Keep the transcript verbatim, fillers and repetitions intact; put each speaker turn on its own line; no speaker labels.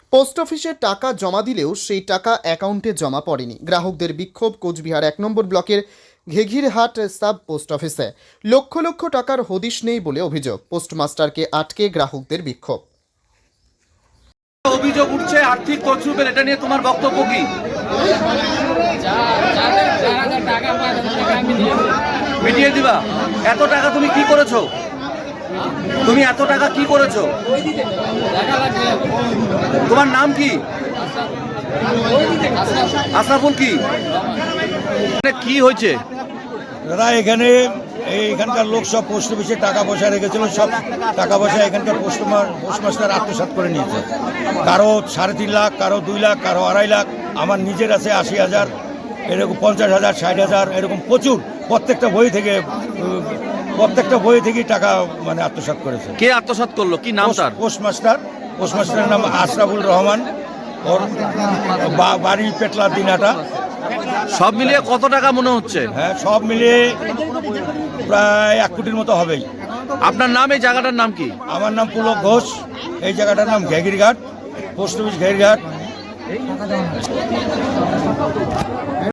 Post অফিসে টাকা জমা দিলেও সেই টাকা অ্যাকাউন্টে জমা পড়েনি। গ্রাহকদের বিক্ষোভ কোচবিহার এক নম্বর ব্লকের ঘেঘিরহাট সাব পোস্ট অফিসে। লক্ষ লক্ষ টাকার হদিশ নেই বলে অভিযোগ। পোস্টমাস্টারকে আটকে গ্রাহকদের বিক্ষোভ।
অভিযোগ উঠছে আর্থিক তছরূপের, এটা নিয়ে তোমার বক্তব্য কি? মিটিয়ে দিবা? এত টাকা তুমি কি করেছো? তুমি এত টাকা কি করেছো? তোমার নাম কি? আশরাফুল। কি কি হয়েছে
দাদা? এখানে এইখানকার লোক সব পোস্ট অফিসে টাকা পয়সা রেখেছিল, সব টাকা পয়সা এখানকার পোস্টমার পোস্টমাস্টার আত্মসাৎ করে নিয়েছে। কারো সাড়ে তিন লাখ, কারো দুই লাখ, কারো আড়াই লাখ, আমার নিজের আছে আশি হাজার, এরকম পঞ্চাশ হাজার, ষাট হাজার, এরকম প্রচুর। প্রত্যেকটা বই থেকে প্রত্যেকটা বই থেকেই টাকা মানে আত্মসাৎ করেছে।
কে আত্মসাৎ করলো? কি নাম তার?
পোস্টমাস্টার পোস্টমাস্টারের নাম আশরাফুল রহমান, ওর বাড়ি পেটলার দিনাটা।
সব মিলিয়ে কত টাকা মনে হচ্ছে?
হ্যাঁ, সব মিলিয়ে প্রায় এক কোটির মতো হবেই।
আপনার নাম? এই জায়গাটার নাম কি?
আমার নাম পুলক ঘোষ। এই জায়গাটার নাম ঘেঘিরঘাট, পোস্ট অফিস ঘেঘিরঘাট।